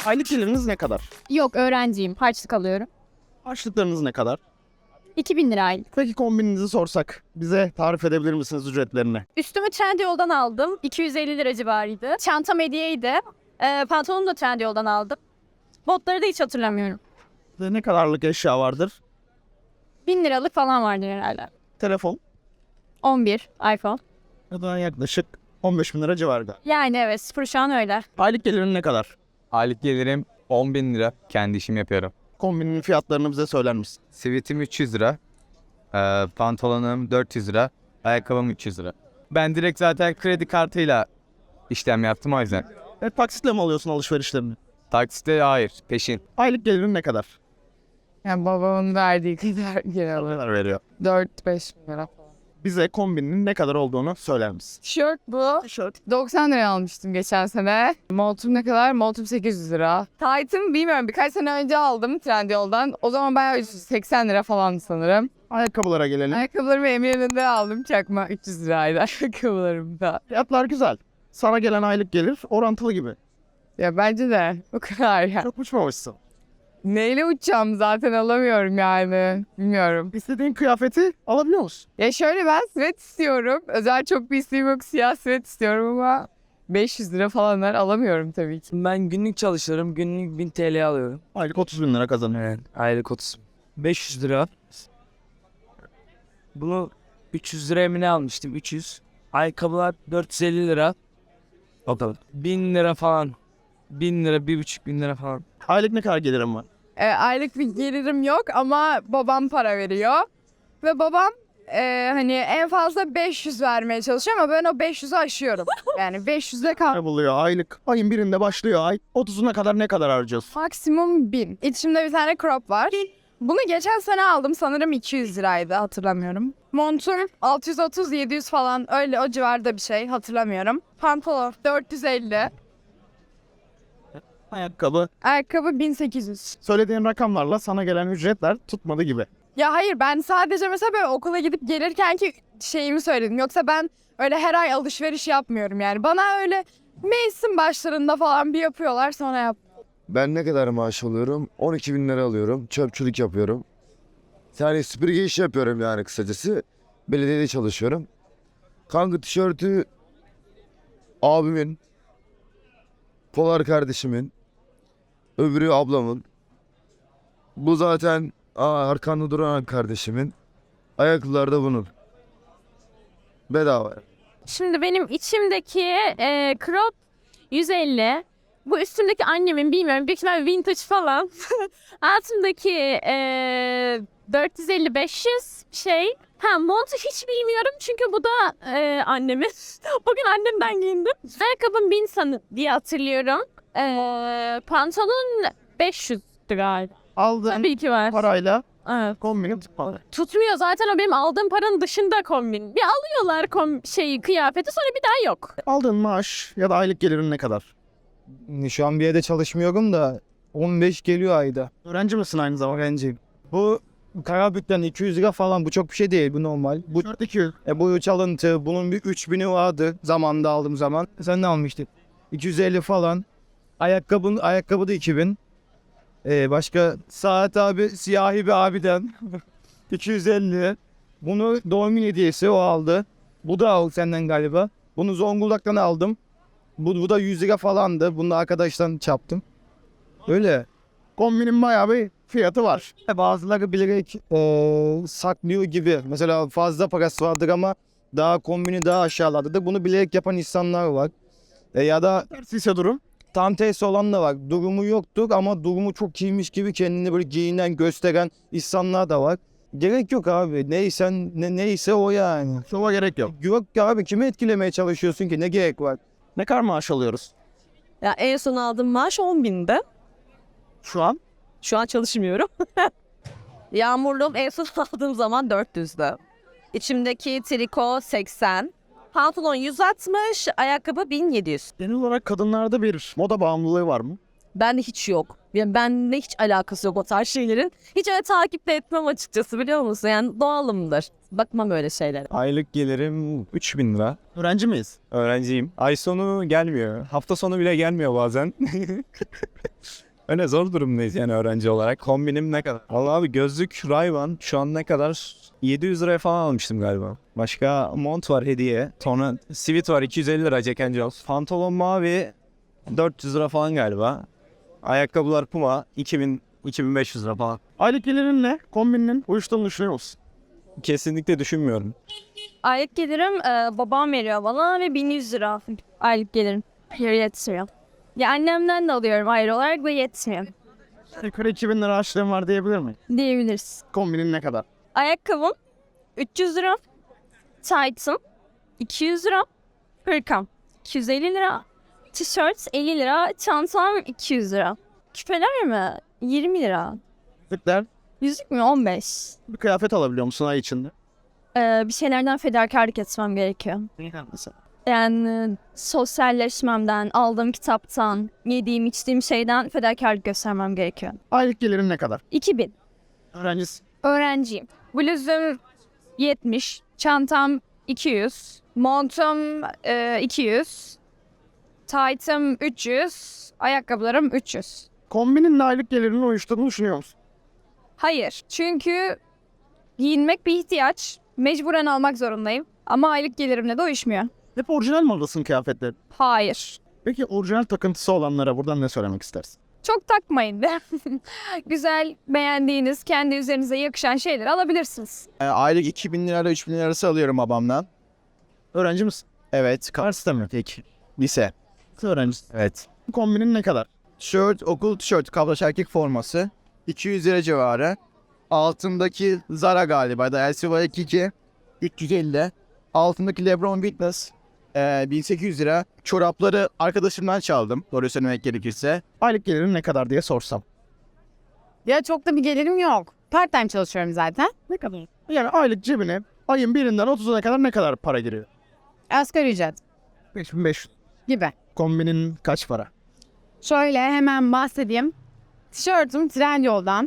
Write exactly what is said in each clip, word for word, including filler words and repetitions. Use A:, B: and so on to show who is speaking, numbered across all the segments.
A: Aylık geliriniz ne kadar?
B: Yok, öğrenciyim. Harçlık alıyorum.
A: Harçlıklarınız ne kadar?
B: iki bin lira aylık.
A: Peki kombininizi sorsak bize tarif edebilir misiniz ücretlerini?
B: Üstümü Trendyol'dan aldım. iki yüz elli lira civarıydı. Çantam hediyeydi. Ee, pantolonumu da Trendyol'dan aldım. Botları da hiç hatırlamıyorum.
A: Ve ne kadarlık eşya vardır?
B: bin liralık falan vardır herhalde.
A: Telefon
B: on bir iPhone.
A: ya da yaklaşık on beş bin lira civarı galiba.
B: Yani evet, sıfır şu an öyle.
A: Aylık gelirin ne kadar?
C: Aylık gelirim on bin lira. Kendi işimi yapıyorum.
A: Kombinin fiyatlarını bize söyler misin?
C: Sivitim üç yüz lira. Ee, pantolonum dört yüz lira. Ayakkabım üç yüz lira. Ben direkt zaten kredi kartıyla işlem yaptım o yüzden.
A: E, taksitle mi alıyorsun alışverişlerini?
C: Taksite hayır, peşin.
A: Aylık gelirin ne kadar?
D: Yani babamın verdiği kadar
A: Ne
D: genel
A: kadar veriyor?
D: dört beş bin lira falan.
A: Bize kombinin ne kadar olduğunu söyler misin?
D: Tişört bu.
A: Tişört.
D: doksan liraya almıştım geçen sene. Montum ne kadar? Montum sekiz yüz lira. Taytım bilmiyorum, birkaç sene önce aldım Trendyol'dan. O zaman bayağı üç yüz seksen lira falan sanırım.
A: Ayakkabılara gelelim.
D: Ayakkabılarımı Eminönü'nde aldım çakma üç yüz liraydı ayakkabılarım da.
A: Fiyatlar güzel. Sana gelen aylık gelir orantılı gibi.
D: Ya bence de o kadar ya.
A: Çok uçmamışsın.
D: Neyle uçacağım zaten alamıyorum yani. Bilmiyorum.
A: İstediğin kıyafeti alabiliyor musun?
D: Ya şöyle, ben sweat istiyorum. Özel çok bir isteğim yok. Siyah sweat istiyorum ama beş yüz lira falanlar alamıyorum tabii ki.
E: Ben günlük çalışıyorum. Günlük bin T L alıyorum.
A: Aylık otuz bin lira kazanıyor.
E: Evet. Aylık otuz. beş yüz lira. Bunu üç yüz liraya mı ne almıştım? üç yüz. Ayakkabılar dört yüz elli lira. O kadar. bin lira falan. bin lira, bir buçuk bin lira falan.
A: Aylık ne kadar gelirim var?
D: E, aylık bir gelirim yok ama babam para veriyor. Ve babam e, hani en fazla beş yüz vermeye çalışıyor ama ben o beş yüzü aşıyorum. Yani beş yüze kal.
A: Ne buluyor aylık? Ayın birinde başlıyor ay. otuzuna kadar ne kadar harcıyorsun?
D: Maksimum bin. İçimde bir tane crop var. Bunu geçen sene aldım, sanırım iki yüz liraydı, hatırlamıyorum. Montum altı yüz otuz yedi yüz falan, öyle o civarda bir şey, hatırlamıyorum. Pantolon dört yüz elli.
A: Ayakkabı.
D: Ayakkabı bin sekiz yüz.
A: Söylediğin rakamlarla sana gelen ücretler tutmadı gibi.
D: Ya hayır, ben sadece mesela böyle okula gidip gelirken ki şeyimi söyledim. Yoksa ben öyle her ay alışveriş yapmıyorum yani. Bana öyle mevsim başlarında falan bir yapıyorlar, sonra yap.
F: Ben ne kadar maaş alıyorum? on iki bin lira alıyorum. Çöpçülük yapıyorum. Yani süpürge işi yapıyorum yani kısacası. Belediyede çalışıyorum. Kanka tişörtü abimin, Polar kardeşimin, öbürü ablamın. Bu zaten aa, arkanda duran kardeşimin. Ayakkabılar da bunun. Bedava.
B: Şimdi benim içimdeki e, crop yüz elli. Bu üstümdeki annemin, bilmiyorum, büyük ihtimalle vintage falan. Altımdaki e, dört yüz elli beş yüz şey. Ha, montu hiç bilmiyorum çünkü bu da e, annemin. Bugün annemden giyindim. Ayakkabım bin sanı diye hatırlıyorum. E, pantolon beş yüz galiba.
A: Aldığın
B: Tabii ki var.
A: parayla
B: Evet.
A: kombinin tutmadı.
B: Tutmuyor zaten, o benim aldığım paranın dışında kombin. Bir alıyorlar kom şeyi, kıyafeti, sonra bir daha yok.
A: Aldığın maaş ya da aylık gelirin ne kadar?
G: Şu an bir yerde çalışmıyorum da on beş geliyor ayda.
A: Öğrenci misin aynı zamanda?
G: Öğrenciyim. Bu Karabük'ten iki yüz lira falan, bu çok bir şey değil, bu normal. Bu,
A: Tişört iki yüz.
G: e, bu çalıntı, bunun bir üç bini vardı zamanında aldığım zaman. Sen ne almıştın? iki yüz elli falan. Ayakkabın, ayakkabı da iki bin. E, başka saat abi, siyahi bir abiden iki yüz elli. Bunu doğum günü hediyesi o aldı. Bu da o senden galiba. Bunu Zonguldak'tan aldım. Bu, bu da yüz lira falandı. Bunu da arkadaştan çaptım. Öyle.
A: Kombinin bayağı bir fiyatı var.
G: Bazıları bilerek eee, saklıyor gibi. Mesela fazla parası vardır ama daha kombini daha aşağılardadır. Bunu bilerek yapan insanlar var. E, ya da
A: Tersi ise durum.
G: tam tersi olan da var. Durumu yoktur ama durumu çok iyiymiş gibi kendini böyle giyinen, gösteren insanlar da var. Gerek yok abi. Neysen, ne, neyse o yani.
A: Şova gerek yok.
G: Yok ki abi, kimi etkilemeye çalışıyorsun ki? Ne gerek var?
A: Ne kadar maaş alıyoruz?
H: Ya en son aldığım maaş on binde.
A: Şu an
H: Şu an çalışmıyorum. Yağmurluğum en son aldığım zaman dört yüzdü. İçimdeki triko seksen. Pantolon yüz altmış, ayakkabı bin yedi yüz.
A: genel olarak kadınlarda bir moda bağımlılığı var mı?
H: Bende hiç yok. Yani bende hiç alakası yok o tarz şeylerin. Hiç öyle takip de etmem açıkçası, biliyor musun? Yani doğalımdır. Bakmam öyle şeylere.
I: Aylık gelirim üç bin lira.
A: Öğrenci miyiz?
I: Öğrenciyim. Ay sonu gelmiyor. Hafta sonu bile gelmiyor bazen. Öyle zor durumdayız yani öğrenci olarak. Kombinim ne kadar? Vallahi abi gözlük Ray-Ban şu an ne kadar? yedi yüz liraya falan almıştım galiba. Başka mont var hediye. Sonra sivit var iki yüz elli lira Jack and Jones. Pantolon mavi dört yüz lira falan galiba. Ayakkabılar Puma iki bin iki bin beş yüz lira falan.
A: Aylık gelirin ne? Kombinin uyuştuğunu düşünüyor musun?
I: Kesinlikle düşünmüyorum.
B: Aylık gelirim e, babam veriyor bana ve bin yüz lira aylık gelirim. Hayır yetmiyor. Ya annemden de alıyorum ayrı olarak ve yetmiyor
A: Yukarı iki bin lira harçlığın var diyebilir miyim?
B: diyebiliriz.
A: Kombinin ne kadar?
B: Ayakkabım üç yüz lira. Tight'ım iki yüz lira. Hırkam iki yüz elli lira. Tişört elli lira. Çantam iki yüz lira. Küpeler mi? yirmi lira.
A: Yüzükler.
B: Yüzük mü? on beş.
A: Bir kıyafet alabiliyor musun ay içinde?
B: Ee, bir şeylerden fedakarlık etmem gerekiyor.
A: Mesela.
B: Yani sosyalleşmemden, aldığım kitaptan, yediğim içtiğim şeyden fedakarlık göstermem gerekiyor.
A: Aylık gelirin ne kadar?
B: iki bin.
A: Öğrencisin.
D: Öğrenciyim. Bluzum yetmiş. Çantam iki yüz. Montum e, iki yüz. Tight'ım üç yüz. Ayakkabılarım üç yüz.
A: Kombinin aylık gelirinin uyuştuğunu düşünüyor musun?
D: Hayır. Çünkü giyinmek bir ihtiyaç. Mecburen almak zorundayım. Ama aylık gelirimle de uyuşmuyor.
A: Hep orijinal mi alırsın kıyafetleri?
D: Hayır.
A: Peki orijinal takıntısı olanlara buradan ne söylemek istersin?
D: Çok takmayın de. Güzel, beğendiğiniz, kendi üzerinize yakışan şeyleri alabilirsiniz.
G: E, aylık iki bin lirayla üç bin lira arası alıyorum babamdan.
A: Öğrenci misin?
G: Evet.
A: Üniversite mi?
G: Peki. Lise.
A: Öğrencisin.
G: Evet.
A: Kombinin ne kadar?
G: Tişört, okul tişörtü, kabloş erkek forması. iki yüz lira civarı. Altındaki Zara galiba da L C Y iki üç yüz elli. Altındaki Lebron Fitness e, bin sekiz yüz lira. Çorapları arkadaşımdan çaldım. Doğru söylemek gerekirse.
A: Aylık gelirin ne kadar diye sorsam.
J: Ya çok da bir gelirim yok. Part time çalışıyorum zaten.
A: Ne kadar? Yani aylık cebine ayın birinden otuzuna kadar ne kadar para giriyor?
J: Asgari ücret
A: beş bin beş yüz.
J: gibi.
A: Kombinin kaç para?
J: Şöyle hemen bahsedeyim. Tişörtüm Trendyol'dan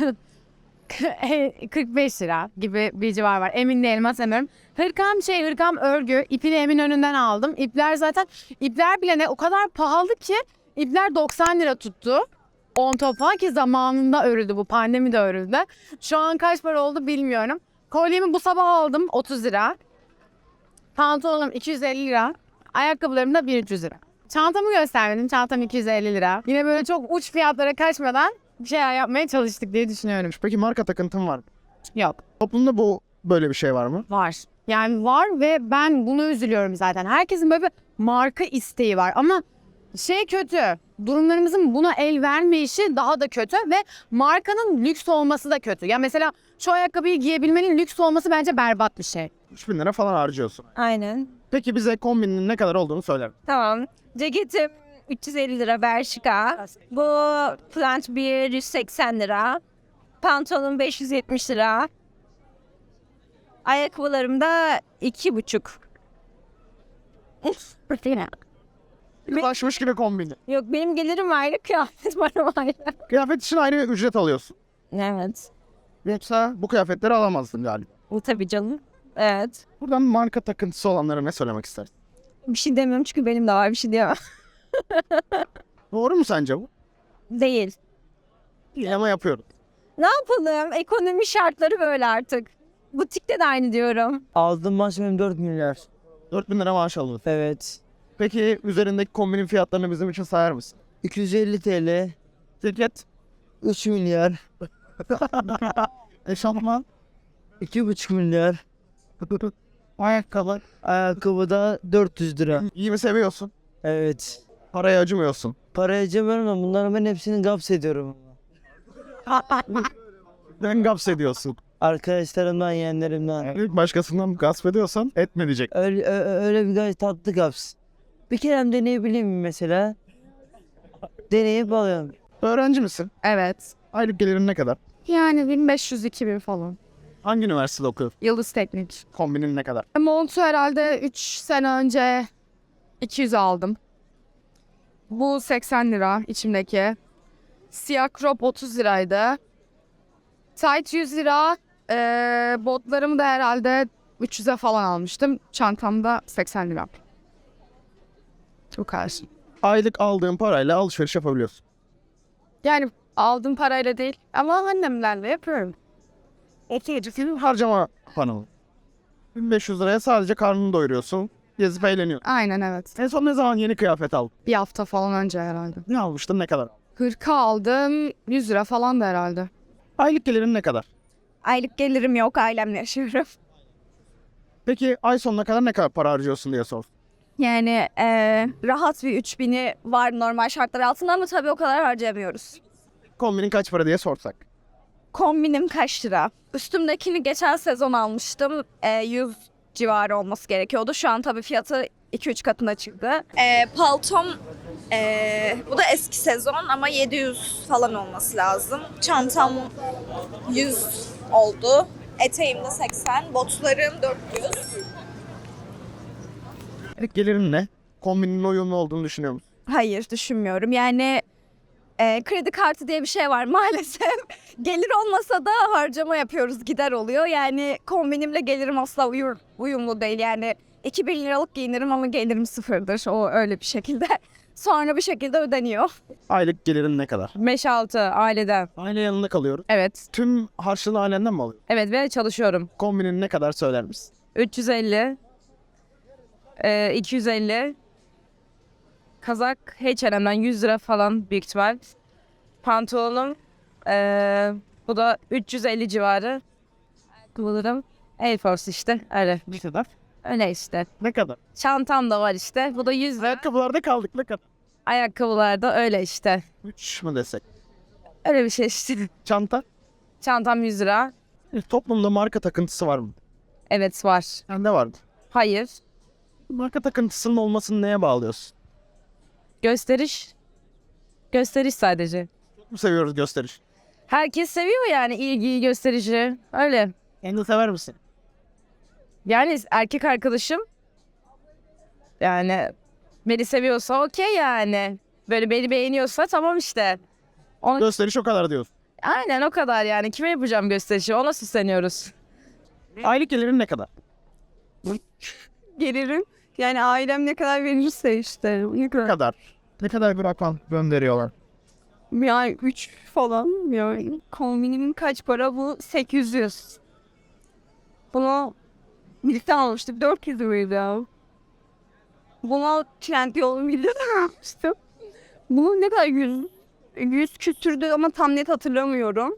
J: kırk beş lira gibi bir civar var. Emin değilim, hatırlamıyorum. Hırkam şey hırkam örgü. İpini Eminönü'nden aldım. İpler zaten ipler bile ne o kadar pahalı ki ipler doksan lira tuttu. on top falan ki zamanında örüldü, bu pandemi de örüldü. Şu an kaç para oldu bilmiyorum. Kolyemi bu sabah aldım otuz lira. Pantolonum iki yüz elli lira. Ayakkabılarım da bin üç yüz lira. Çantamı göstermedim. Çantam iki yüz elli lira. Yine böyle çok uç fiyatlara kaçmadan bir şeyler yapmaya çalıştık diye düşünüyorum.
A: Peki marka takıntın var mı?
J: Yok.
A: Toplumda bu böyle bir şey var mı?
J: Var. Yani var ve ben buna üzülüyorum zaten. Herkesin böyle bir marka isteği var ama şey kötü. Durumlarımızın buna el vermeyişi daha da kötü ve markanın lüks olması da kötü. Ya mesela şu ayakkabıyı giyebilmenin lüks olması bence berbat bir şey.
A: üç bin lira falan harcıyorsun.
B: Aynen.
A: Peki bize kombinin ne kadar olduğunu söyler misin?
B: Tamam. Ceketim üç yüz elli lira Bershka. Bu plant bir yüz seksen lira. Pantolon beş yüz yetmiş lira. Ayakkabılarım da iki buçuk.
A: Ulaşmış gibi kombini.
B: Yok benim gelirim ayrı, kıyafet param ayrı.
A: Kıyafet için ayrı ücret alıyorsun.
B: Evet.
A: Yoksa bu kıyafetleri alamazdın galiba.
B: Bu tabii canım. Evet.
A: Buradan marka takıntısı olanlara ne söylemek istersin?
B: Bir şey demiyorum çünkü benim de var, bir şey diyemem.
A: Doğru mu sence bu?
B: Değil.
A: İyi ama yapıyoruz.
B: Ne yapalım? Ekonomi şartları böyle artık. Butikte de aynı diyorum.
E: Aldığım maaş benim dört milyar.
A: dört bin lira maaş alıyorsun.
E: Evet.
A: Peki üzerindeki kombinin fiyatlarını bizim için sayar mısın?
E: iki yüz elli TL.
A: Ceket,
E: üç milyar.
A: eşofman,
E: iki buçuk milyar.
A: ayakkabı.
E: Ayakkabı da dört yüz lira.
A: Giyimi seviyorsun.
E: Evet.
A: Paraya acımıyorsun.
E: Para harcamıyorum ama bunların ben hepsini gaps ediyorum.
A: Ben gaps ediyorsun.
E: Arkadaşlarımdan, yeğenlerimden.
A: Yani başkasından gasp ediyorsan etme diyecek.
E: Öyle, ö- öyle bir gayet tatlı gaps. Bir kere deneyebilir miyim mesela? Deneyip alıyorum.
A: Öğrenci misin?
D: Evet.
A: Aylık gelirin ne kadar?
D: Yani bin beş yüz iki bin falan.
A: Hangi üniversitede okuyorsun?
D: Yıldız Teknik.
A: Kombinin ne kadar?
D: Montu herhalde üç sene önce iki yüz aldım. Bu seksen lira içimdeki. Siyah crop otuz liraydı. Tight yüz lira. Ee, botlarımı da herhalde üç yüze falan almıştım. Çantamda seksen lira. Bu kadar.
A: Aylık aldığın parayla alışveriş yapabiliyorsun.
D: Yani aldığım parayla değil ama annemlerle yapıyorum.
A: Senin harcama panoğu. bin beş yüz liraya sadece karnını doyuruyorsun. Gezip eğleniyorsun.
D: Aynen evet.
A: En son ne zaman yeni kıyafet aldın?
D: Bir hafta falan önce herhalde.
A: Ne almıştın, ne kadar?
D: Hırka aldım. yüz lira falan da herhalde.
A: Aylık gelirin ne kadar?
K: Aylık gelirim yok, ailemle yaşıyorum.
A: Peki ay sonuna kadar ne kadar para harcıyorsun diye sor.
K: Yani eee, rahat bir üç bini var normal şartlar altında ama tabii o kadar harcayamıyoruz.
A: Kombinin kaç para diye sorsak.
K: Kombinim kaç lira? Üstümdekini geçen sezon almıştım. Eee, yüz civarı olması gerekiyordu. Şu an tabii fiyatı iki üç katına çıktı. Eee, paltom eee, bu da eski sezon ama yedi yüz falan olması lazım. Çantam yüz oldu. Eteğim de seksen, botlarım dört yüz.
A: Aylık gelirin ne? Kombinin uyumlu olduğunu düşünüyor musun?
K: Hayır düşünmüyorum. Yani e, kredi kartı diye bir şey var maalesef. Gelir olmasa da harcama yapıyoruz, gider oluyor. Yani kombinimle gelirim asla uyur, uyumlu değil. Yani iki bin liralık giyinirim ama gelirim sıfırdır. O öyle bir şekilde. Sonra bir şekilde ödeniyor.
A: Aylık gelirin ne kadar?
J: beş altı aileden.
A: Aile yanında kalıyoruz.
J: Evet.
A: Tüm harçlığını ailenden mi alıyorsun?
J: Evet ve çalışıyorum.
A: Kombinin ne kadar söyler misin?
J: üç yüz elli. E, iki yüz elli. Kazak H and M'den yüz lira falan büyük ihtimal. Pantolonum e, bu da üç yüz elli civarı. Ayakkabılarım Air Force işte öyle.
A: Ne kadar?
J: Öyle işte.
A: Ne kadar?
J: Çantam da var işte. Bu da yüz lira.
A: Ayakkabılarda kaldık ne kadar?
J: Ayakkabılar da öyle işte.
A: üç mü desek?
J: Öyle bir şey işte.
A: Çanta?
J: Çantam yüz lira.
A: E, Toplumda marka takıntısı var mı?
J: Evet var.
A: Sende vardı.
J: Hayır.
A: Marka takıntısının olmasını neye bağlıyorsun?
J: Gösteriş. Gösteriş sadece.
A: Çok mu seviyoruz gösteriş?
J: Herkes seviyor yani ilgiyi, gösterişi. Öyle.
A: Kendini sever misin?
J: Yani erkek arkadaşım yani beni seviyorsa okey yani. Böyle beni beğeniyorsa tamam işte. Ona,
A: Gösteriş o kadar diyorsun.
J: aynen o kadar yani. Kime yapacağım gösterişi? Ona süsleniyoruz.
A: Aylık gelirin ne kadar?
D: Gelirim. Yani ailem ne kadar verirse işte. Ne
A: Ne
D: kadar.
A: kadar? Ne kadar bir rakam gönderiyorlar?
D: Yani üç falan. Yani kombinimin kaç para bu? sekiz yüz. Bunu birlikte almıştık. dört yüz liraydı ya. Buna Trendyol Milla'dan almıştım. Bunu ne kadar yüz, yüz küsürdü ama tam net hatırlamıyorum.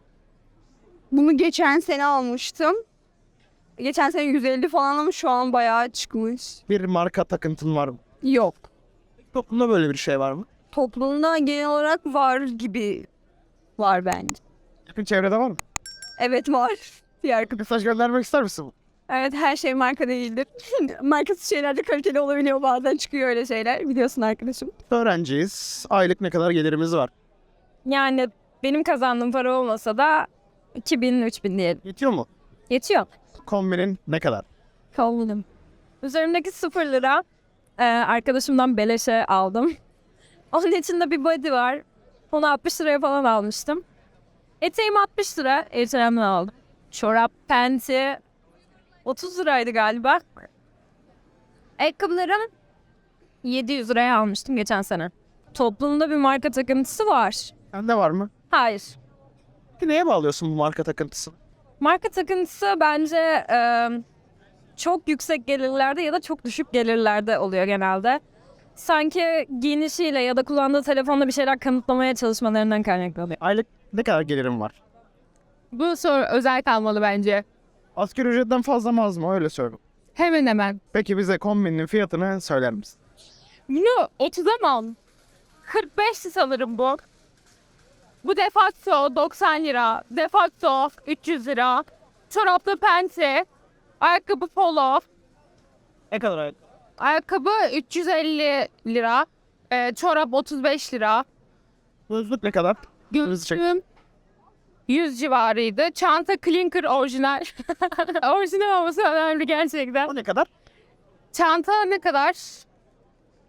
D: Bunu geçen sene almıştım. Geçen sene yüz elli falan ama şu an bayağı çıkmış.
A: Bir marka takıntın var mı?
D: Yok.
A: Toplumda böyle bir şey var mı?
D: Toplumda genel olarak var gibi var bence.
A: Yakın çevrede var mı?
D: Evet var. Bir arkadaş.
A: Mesaj göndermek ister misin?
D: Evet her şey marka değildir. Markasız şeyler de kaliteli olabiliyor bazen çıkıyor öyle şeyler. Biliyorsun arkadaşım.
A: Öğrenciyiz. Aylık ne kadar gelirimiz var?
B: Yani benim kazandığım para olmasa da iki bin üç bin diyelim.
A: Yetiyor mu?
B: Yetiyor.
A: Kombinin ne kadar?
B: Kombin'im. Üzerimdeki sıfır lira e, arkadaşımdan beleşe aldım. Onun içinde bir body var. Onu altmış liraya falan almıştım. Eteğim altmış lira. H and M'den aldım. Çorap, penti otuz liraydı galiba. Ayakkabılarım yedi yüz liraya almıştım geçen sene. Toplumda bir marka takıntısı var.
A: Sende var mı?
B: Hayır.
A: Peki neye bağlıyorsun bu marka takıntısını?
B: Marka takıntısı bence e, çok yüksek gelirlerde ya da çok düşük gelirlerde oluyor genelde. Sanki giyinişiyle ya da kullandığı telefonla bir şeyler kanıtlamaya çalışmalarından kaynaklanıyor.
A: Aylık ne kadar gelirim var?
J: Bu soru özel kalmalı bence.
A: Asgari ücretten fazla mı az mı? Öyle söyle.
J: Hemen hemen.
A: Peki bize kombinin fiyatını söyler misin?
B: Bunu otuza mı aldın? kırk beş sanırım bu. Bu defakto doksan lira. Defakto üç yüz lira. Çoraplı penti. Ayakkabı polo.
A: Ne kadar aylık?
B: Ayakkabı üç yüz elli lira. Ee, çorap otuz beş lira.
A: Gözlük ne kadar? Hızlı çek.
B: Gözlüğüm yüz civarıydı. Çanta Clinker orijinal. Orijinal olması önemli gerçekten.
A: O ne kadar?
B: Çanta ne kadar?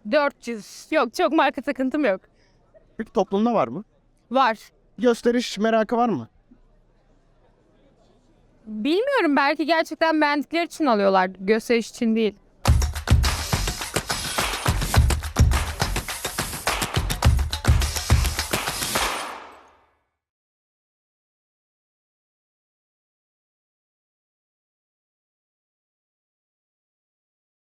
J: dört yüz.
B: Yok, çok marka takıntım yok.
A: Peki toplumda var mı?
J: Var.
A: Gösteriş merakı var mı?
J: Bilmiyorum, belki gerçekten beğendikleri için alıyorlar. Gösteriş için değil.